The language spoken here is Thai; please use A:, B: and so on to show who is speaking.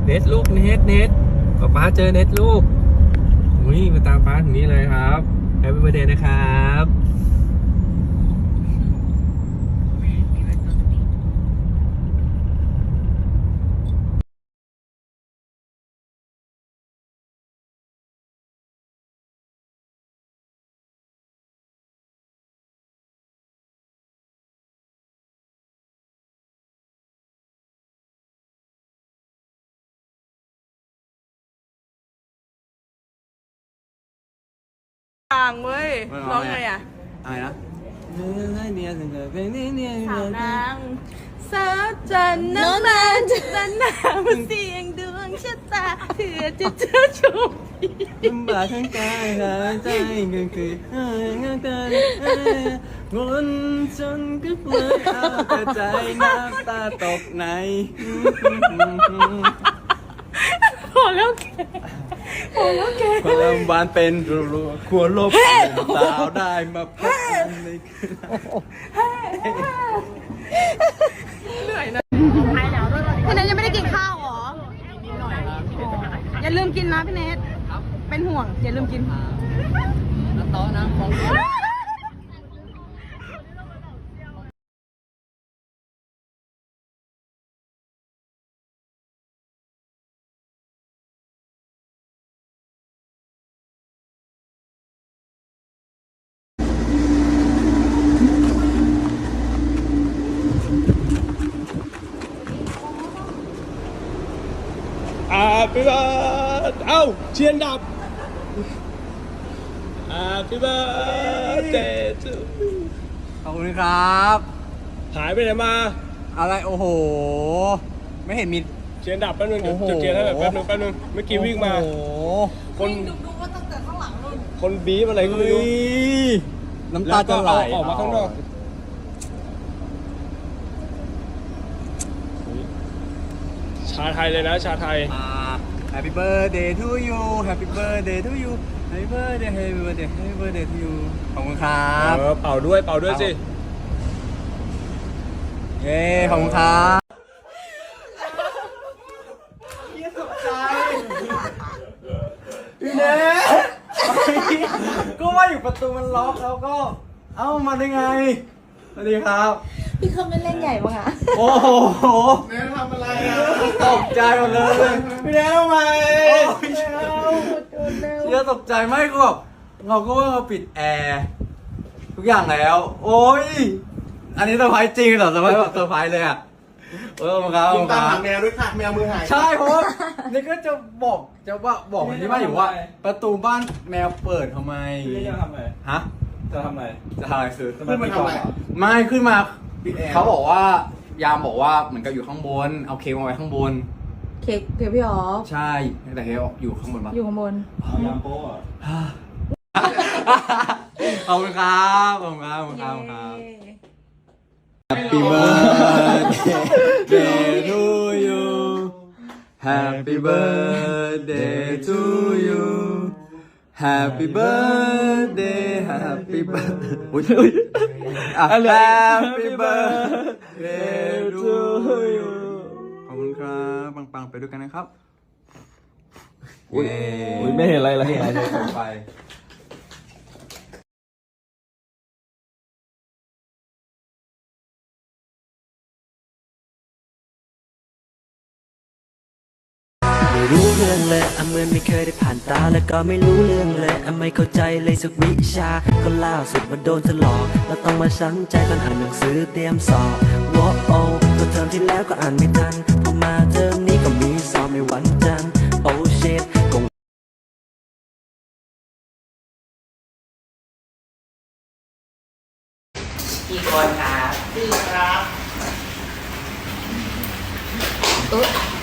A: เน็ตลูกเน็ตป๊าเจอเน็ตลูกอุ้ยมาตามป๊าถึงนี้เลยครับแฮปปี้เบิร์ธเดย์นะครับ
B: ต่างเว้ยร้องไงอ่ะ
A: อะไรนะ
B: สาวนางสาวจันน้ำมันจันน้ำเสียงดวงชะตาเพื่อจะเจอชม
A: ลำบากทั้งกายหายใจเงินคืองานกันวนจนก็เลยเอาแต่ใจน้ำตาตกใน
B: พอแล้วแก
A: ความบานเป็นรัวๆควรลบสาวได้มาพบกันในคืน
B: เหนื่อยนะพี่เนทยังไม่ได้กินข้าวหรออย่าลืมกินนะพี่เนทเป็นห่วงอย่าลืมกินโต๊ะนะ
A: Happy birthday เอ้าเชียนดับ Happy birthday to
C: ขอบคุณครับ
A: หายไปไหนมา
C: อะไรโอ้โหไม่เห็นมี
A: เชียนดับแป๊บนึงเดี๋ยวจุดเทียนให้แบบแป๊บนึงเมื่อกี้วิ่งมา
C: โอ้โห
A: คนดูว่าตั้งแต่ข้างหลังนู่นคนบีบอะไรก็ไม่รู้
C: น้ำตาจะไหล
A: ออกมาข้างนอกชาไทยเลยนะชาไทย
C: Happy birthday to you Happy birthday to you Happy birthday Happy birthday Happy birthday to you ขอบคุณครับ
A: เป่าด้วยสิ
C: เย้ขอบคุณครับพี่เนทก็ว่าอยู่ประตูมันล็อกแล้วก็เอ้ามาได้ไงสวัสดีครับ
B: พี่เขาไม่เล่นใหญ่ปะคะ
C: โอ้โห
A: เนททำอะไรอ่ะ
C: ตกใจหมดเลยพี่เนททำไมเชื่อตกใจไม่ก็แบบเราก็ว่าเราปิดแอร์ทุกอย่างแล้วโอ้ยอันนี้เซอร์ไพรส์จริงเหรอเซอร์ไพรส์แบบเซอร์ไพรส์เลยอ่ะมาครับ
A: ตามหาแมวด้วยค่ะแมวมือหาย
C: ใช่เพราะนี่ก็จะบอกที่บ้านอยู่ว่าประตูบ้านแมวเปิดทำไม
A: จะทำอะไร
C: ฮะ
A: จะทำอะไร
C: คือ
A: ขึ้นมาทำอะไร
C: ไม่ขึ้นมาเขาบอกว่ายามบอกว่าเหมือนกับอยู่ข้างบนเอาเค้กมาไว้ข้างบน
B: เค้กพี่อ๋อ
C: ใช่แต่เค้กอยู่ข้างบนปะ
B: อยู่ข้างบน
A: ยามโป้
C: ขอบคุณครับHappy birthday to you Happy birthday to you Happy birthday Happy birthday Happy birthday to you ขอบคุณครับปังๆไปด้วยกันนะครับ
A: อุ้ยไม่เห็นอะไรเลย
C: ไป
D: ไม่รู้เรื่องเลยเหมือนไม่เคยได้ผ่านตาแล้วก็ไม่รู้เรื่องเลยไม่เข้าใจเลยสักวิชาก็ล่าสุดมาโดนเธอหลอกแล้วต้องมาช้ำใจตอนอ่านหนังสือเตรียมสอบวอโอก็เทอมที่แล้วก็อ่านไม่ทันพอมาเทอมนี้ก็มีสอบในวันจันทร์โอ้เชิต
E: กี่คนครับ4ครับ